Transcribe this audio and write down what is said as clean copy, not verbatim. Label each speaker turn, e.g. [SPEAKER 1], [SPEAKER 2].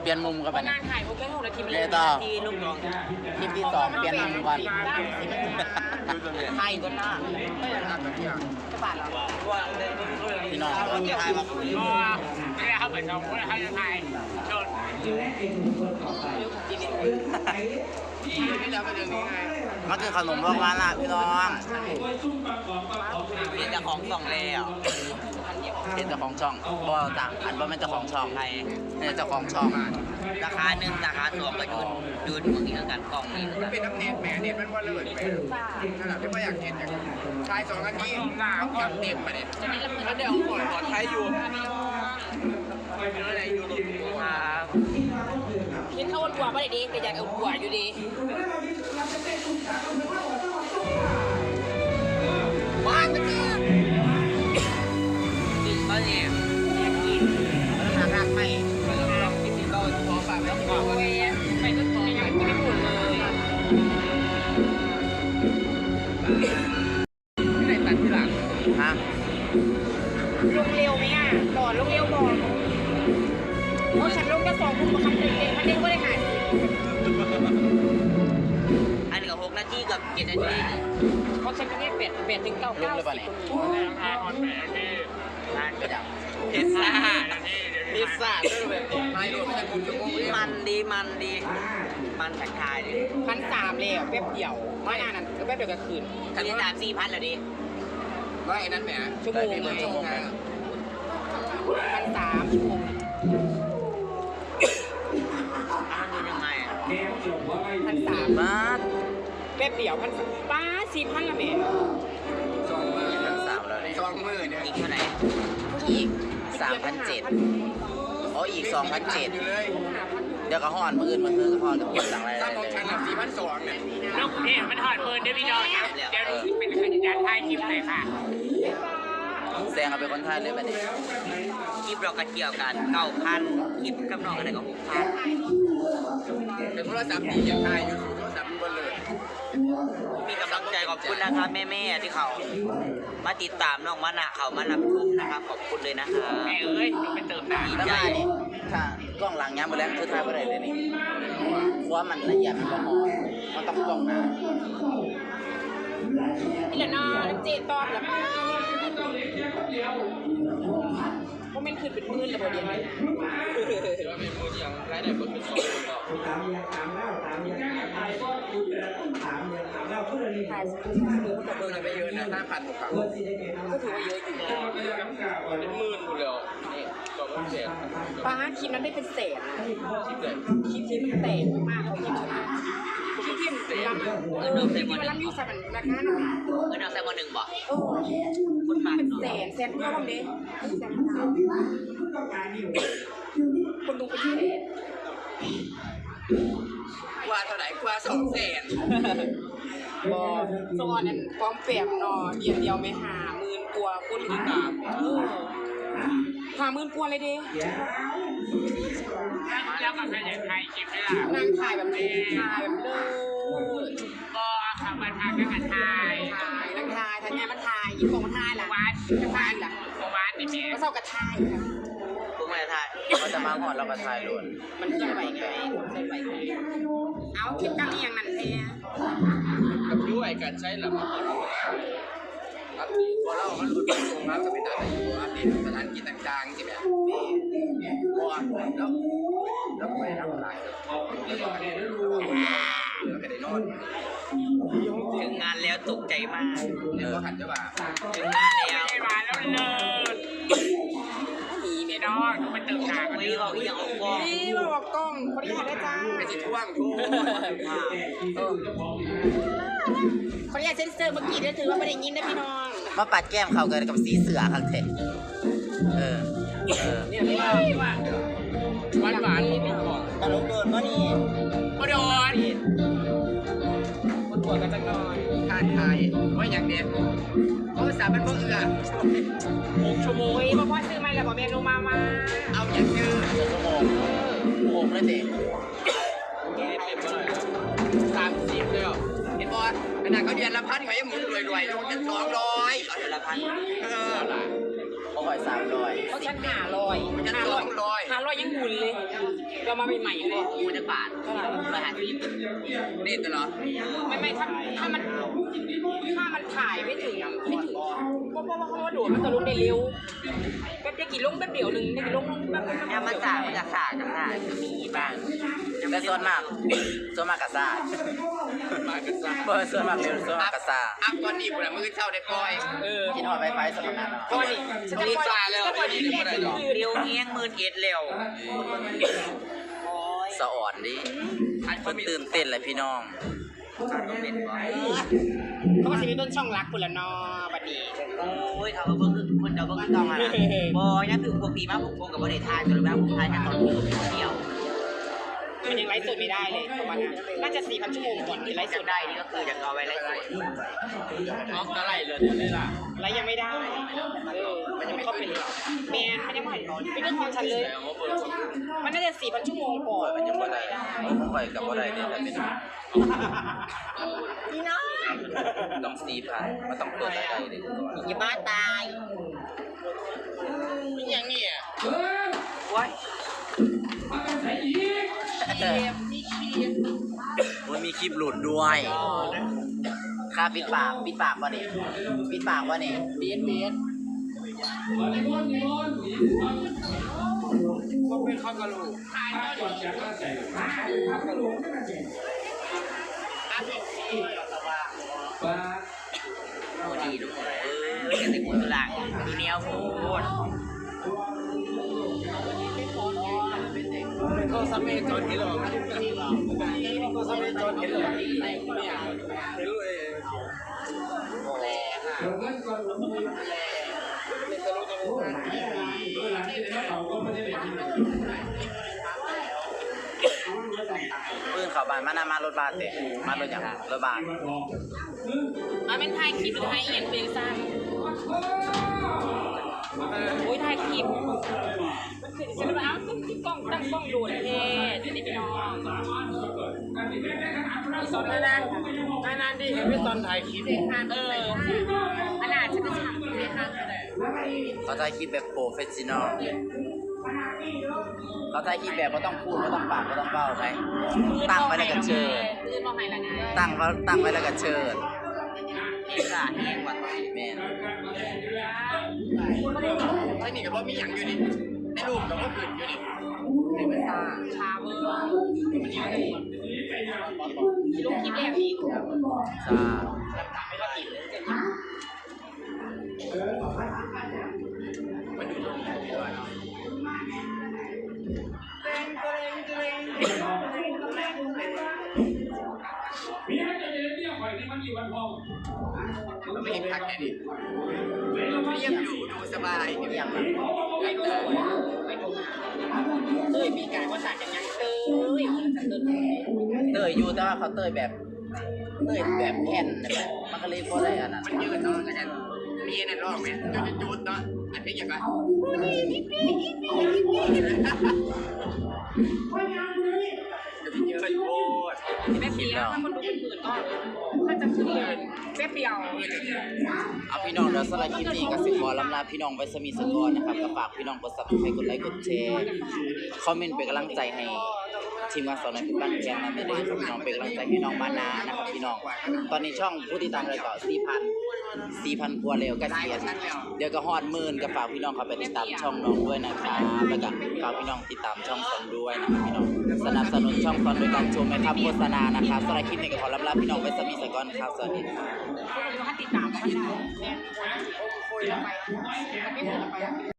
[SPEAKER 1] เปลี่ยนมุมกันไป
[SPEAKER 2] งานถ่ายผมแค่6 นาที
[SPEAKER 1] เลยต่อ
[SPEAKER 2] ทีลูกน้อง
[SPEAKER 1] คลิปที่ 2เปลี่ยนมุมกัน
[SPEAKER 2] ไทยก็น่าไม่อยากทำแบบนี้จะบาดเหรอว่า
[SPEAKER 1] พี่น้องก็จะถ่ายมา
[SPEAKER 2] ไม่ได้เข้าไปช่องคนไทยไทยชน
[SPEAKER 1] มันคือขนมโบราณล่ะพี่น้อง
[SPEAKER 2] เห็นแต่ของส่องแล้ว
[SPEAKER 1] เห็นเจ้าของช่องบ่ต่างอันบ่เป็นเจ้าของช่องไทยเนี่ยเจ้าของช่อง
[SPEAKER 2] ราคา1ราคา2ก็ยืนเมื่อกี้กันกล่องนี้
[SPEAKER 3] เป็นน้ำเน็ตแหมเน็ตมันว่าเลิศแหมขนาดที่ว่าอยากเห็นอย่างชาย2 นาทีต้องจับเต็มมาเนี่ยแล้วเดี๋ยวขอไทยอยู่อะไรอยู่ครับ
[SPEAKER 2] คิดเข้าวันกว่าไม่ได้ดีแต่อยากเอากว่าอยู่ดีบ้านมันเนี่ยกินก็เนี่ยกินแล้วหาไม่ลองกินก็พอแบบแล้วก็ไปก็พอยังกินไม่หมดเลย
[SPEAKER 3] ไม่ได้ตัดที่หลัง
[SPEAKER 1] ฮะ
[SPEAKER 2] ลงเร็วไหมอ่ะหลอดลงเร็วบอกเพราะฉันลงแค่2 ทุ่มกับคันเด็กคันเด็กก็ได้หายอันนี้ก็6 นาทีกับ7 นาทีเพราะฉันก็เรียก8 ถึง 9
[SPEAKER 1] ลงเลยป่ะเนี่ย
[SPEAKER 2] พิซซ่าพิซซ่าด้วยแบบ
[SPEAKER 3] ไทยโดนไม่ได้คุณชั่วโมงเลย
[SPEAKER 2] มันดีมันแข็งคายดิ1,300เลยแป๊บเดียวไม่นานนั้นก็แป๊บเดียวก็คืนอันนี้3-4,000แล้วดิ
[SPEAKER 3] ว่าไอ้นั้นแหม
[SPEAKER 2] ชั่วโมงเลย
[SPEAKER 3] ชั่วโมงนะ
[SPEAKER 2] 1,300 ชั่วโมงมันยังไงอ่ะ1,300
[SPEAKER 1] บาท
[SPEAKER 2] แป๊บเดียว1,300ป้า4,000ละแม่
[SPEAKER 1] 3แล้วเนี่ย
[SPEAKER 3] 20,000เนี่ย
[SPEAKER 2] อีกเท่าไหร่
[SPEAKER 1] อีก 3,700อ๋ออีก 2,700
[SPEAKER 3] อยู่เลย
[SPEAKER 1] เดี๋ยวก็ฮ้อนมื้ออื่นมันคือฮ้อนกับเก็บตังค์อะไร
[SPEAKER 3] ถ้าของฉันอ่ะ4,200เนี่ย
[SPEAKER 2] ลูกนี่มันถอดปืนด้วยพี่น้องเดี๋ยวดูเป็นขยันถ่ายคลิปเลยค่ะ
[SPEAKER 1] แซงเอาไปคนไทยเลยบัดนี้
[SPEAKER 2] คลิปเราก็เกี่ยวกัน9,000คลิปกับน้องอะไรก็6,000
[SPEAKER 3] เป็นโทรศัพท์ดีอย่างไทยอยู่โทรศัพท์บนเลย
[SPEAKER 2] มีกำลังใจขอบคุณนะครับแม่ๆที่เขามาติดตามน้องมานะเขามารับชมนะครับขอบคุณเลยนะครับแม่เอ้ยไปเติมน้ำ
[SPEAKER 1] แล้วมานี่ถ้ากล้องหลังย้ำไปแล้วคือถ่ายบ่ได้เลยนี่เพราะว่ามันละเอียดมันบ่พอมันต้องกล้องหน้า
[SPEAKER 2] นี่แหละน้องเจตอบแล้วโมเมนต์คืนเป็นมื่นเลยบ่เดียวเลย
[SPEAKER 3] ว่าเป็นมืออย่างไรได้คนเป็น2 คนก็
[SPEAKER 2] ถ่าย
[SPEAKER 3] เบอร์เลยไม่เยอะนะ5,000 6,000
[SPEAKER 2] ก็ถือว่าเยอะอยู่นะ
[SPEAKER 3] เป็นหมื่นอยู่แล้วนี่2,000
[SPEAKER 2] ป้าคลิปนั้นได้เป็นแสน
[SPEAKER 3] คิดเลย
[SPEAKER 2] คลิปที่มันแตกมากเขาคลิปชนะคลิปที่มันรับคลิปที่มันรับยูสับราคาหน่อยเอาแซม1บ่คนมาเป็นแสนเพื่อผมดิคนดูเป็นแสน
[SPEAKER 3] กว่าเท่าไหร่กว่า200,000
[SPEAKER 2] บอสอนนั้นพร้อมเปรียบเนาะเดียวไม่50,000 กว่าคนติดตาม50,000 กว่าเลยดิแล้วก็ใครอยากถ่ายคลิปได้ล่ะนั่งถ่ายแบบนี้ถ่ายแบบเลิศก็ขับมาถ่ายกันถ่ายนั่งถ่ายทางไงมันถ่ายยิ้มของมันถ่ายล่ะวัดจะถ่ายล่ะวัดนี่แม่ก็เศร้ากระถ่ายพวกมันถ่าย
[SPEAKER 1] เขาจะมาก่อนเราก็ถ่ายล้วน
[SPEAKER 2] มันเคลื่อนไหวไงเคลื่อนไหวเอาคลิปกันนี่อย่างนั้นแท้
[SPEAKER 3] กับด้วยการใช้หลักอัปเดตพอเรามันหลุดมาส่งมาก็เป็นอะไรอยู่อัปเดตสถานที่ต่างๆใช่ไหมก่อนแล้วไปทำอะไรแล้วก็ได้นอน
[SPEAKER 2] ถึงงานแล้วตกใจมาก
[SPEAKER 3] เนี่ยก็หันจะว่า
[SPEAKER 2] ถึงงานแล้วมาแล้วเลิศมีเมดอนไปเติมหนักนี่บอกยังออกกล้องนี่บอกกล้องคนที่ถ่ายได้จ้า
[SPEAKER 3] ไปจิท่วงทู
[SPEAKER 2] คนที่เซ็นเซอร์เมื่อกี้ได้ถือว่าไม่ได้ยินนะพี่น้อง
[SPEAKER 1] มาปัดแก้มเข้ากันกับสีเสือข้างเท
[SPEAKER 2] เนี่ยพี่ว่า
[SPEAKER 3] หวานๆนี่ก่อน
[SPEAKER 1] ตลกโดนวะนี่
[SPEAKER 2] โดนคนปวดกันจังหน่อย
[SPEAKER 3] ทานไทยว่าอย่างเดียวเพราะภาษามันบ่เอื้อ6 ชั่วโมง
[SPEAKER 2] โอ้ยพ่อซื้อมาแล้วบอกเมนูมา
[SPEAKER 3] เอาอย่างเดียว
[SPEAKER 1] ชั่วโมงโอ้ไม่เตะ
[SPEAKER 3] 30เลยเห็นบอลขนาดเขาเดือนละ1,000เขายังหมุนรวยๆลงกัน200เขาเดือนละ1,000ล่ะ
[SPEAKER 1] เขาคอย300
[SPEAKER 2] เขาชั้น500ยังหมุนเลยเรามาใหม่ๆเลย
[SPEAKER 1] มูจะบาทมาหาที่
[SPEAKER 3] นี่ตลอด
[SPEAKER 2] ไม่ถ้ามันถ่ายไม่ถึงเพราะว่าโดดมันจะลงได้เร็วแป๊บเดียวกี่ลงแป๊บเดียวนึงได้กี่ลงแป๊บ
[SPEAKER 1] แอมมาจากกันได้มีบ้างแต่ส่วนมากกะซ่า
[SPEAKER 3] มากันซะ
[SPEAKER 1] เบอร์ส่วนมากเร็วส่วนมากกะซ่า
[SPEAKER 3] อัพตอนนี้ผมมือเช่าได้ปล่อย
[SPEAKER 1] กินหอดไฟสำหรับนั้น
[SPEAKER 2] ก็นี่ฉันจะปล่อยแล้วก็นี่
[SPEAKER 1] เร็วเงี้ย11,000เร็วสะอ่อนดิคนตื่นเต้นเลยพี่น้อง
[SPEAKER 2] เขาก็จะมีต้นช่องรักคนละนอบัดนี้
[SPEAKER 1] โอ้ยเขาก็เพิ่งคนเดียวเพิ่งต้องอะไรบอยนั่นคือปกติมากผมกับประเทศไทยแต่แล้วผมไทยแค่ตอนเดียว
[SPEAKER 2] มันยังไลฟ์สดไม่ได้เลยประมาณนั้นน่าจะ 4,000 ชั่วโมงก่อนที่ไลฟ์สดได้
[SPEAKER 1] นี่ก็คืออยากเอาไว้ไล่สด
[SPEAKER 3] ออกอะไรเลยนี่ล่ะ
[SPEAKER 2] ไลฟ์ยังไม่ได้มันยังไม่เข้าเป็นแมนมันยังไม่เป็นเรื่องของฉันเลย มันน่าจะ 4,000 ชั่วโมงก่อนมันยังไม่ได้
[SPEAKER 1] ผมไปกับอะไรเนี่ยเป็น
[SPEAKER 2] พี่น้อง
[SPEAKER 1] ต้อง4,000มันต้องเปิดรายได้เลยก่อน
[SPEAKER 2] อย่าบ้าตาย
[SPEAKER 3] นี่ยังเนี่ย
[SPEAKER 1] ว้ายมันมีคลิปหลุดด้วยค่าปิดปากวะนี่ปิดปากวะนี่เบียด
[SPEAKER 3] ก็เป็นข้าวกะโหลก
[SPEAKER 1] โอ้ดีทุกคนจะติดมือหลังดูเนี้ยโหด
[SPEAKER 3] ก็ซัมเมจอนที่หรอก็ซัมเมจอนที่หรอเนี่ยเห็นเลย
[SPEAKER 1] แรงอ่ะปืนเขาบานมารถบานเตะมารถอย่างรถบาน
[SPEAKER 2] เป็นถ่ายคลิปหรือถ่ายเอียงเป็นสั้นโอ้ยถ่ายคลิปฉันเลยเอาตั้งกล้องโดดเท่จะได้พี่น้องสอนนานดิเห็นพี่ตอนถ่ายคลิปขนาดฉันจะฉากเลยค่ะ
[SPEAKER 1] เขาถ่ายคลิปแบบโปรเฟชชั่นอลเขาถ่ายคลิปแบบไม่ต้องพูดไม่ต้องปากไม่ต้องเบ้าไหมตั้งไว้แล้วก็เชิด
[SPEAKER 2] ลื่นมองไห้ละไง
[SPEAKER 1] ตั้งไว้แล้วก็เชิดแห้งกว่าแม่น
[SPEAKER 3] ไอ้นี่ก็ว่ามีอย่างอยู่นี่ในรูปก็ว่าขึ้นอยู่นี่ในภาษา
[SPEAKER 2] ชาเวอร์ลูกคลิปแบบนี้
[SPEAKER 1] จ้า
[SPEAKER 3] มันอยู่ตรงนี้ด้วยเนาะ เราไม่เห็นพักแค่นี้เรียบอยู่ดูสบายอย่างนั้น
[SPEAKER 2] มีการว่าสารกันยังเต้ย
[SPEAKER 1] เตยอยู่แต่ว่าเขาเตยแบบแผ่นแบบมันก็เลยพอได้อันนั้น
[SPEAKER 3] มันยืดเนาะแล้วกันมีนั่นรอบไหมจุดเนาะอันนี้อย่างไรเยอะโคตร
[SPEAKER 2] แป๊บเดียวถ้าคนดูเป็นหมื่นก็น่าจะขึ้นเลยแป๊บเดียว
[SPEAKER 1] เอาพี่น้องเดี๋ยวสไลด์คลิปนี้ก็สิขอลำลาพี่น้องไปสมีสกอนนะครับก็ฝากพี่น้องกดซับสไครต์กดไลค์กดแชร์คอมเมนต์เป็นกำลังใจให้ทีมงานสอนในพิบันแพงนั้นได้เลยครับพี่น้องเป็นกำลังใจให้น้องมานานะครับพี่น้องตอนนี้ช่องผู้ติดตามเลยก็4,000กว่าแล้วก็เสียเดี๋ยวก็ฮอด10,000ก็ฝากพี่น้องเข้าไปติดตามช่องน้องด้วยนะครับแล้วก็ฝากพี่น้องติดตามช่องสอนด้วยนะครับพี่น้องสนับสนุนช่องสอนโดยการชมนะครับโฆษณานะครับสไลด์คลิปนี้ก็ขอลำลาพี่น้องไปสมีสกอนครับสวัสดีครับ
[SPEAKER 2] ถ้าติดตามก็ได้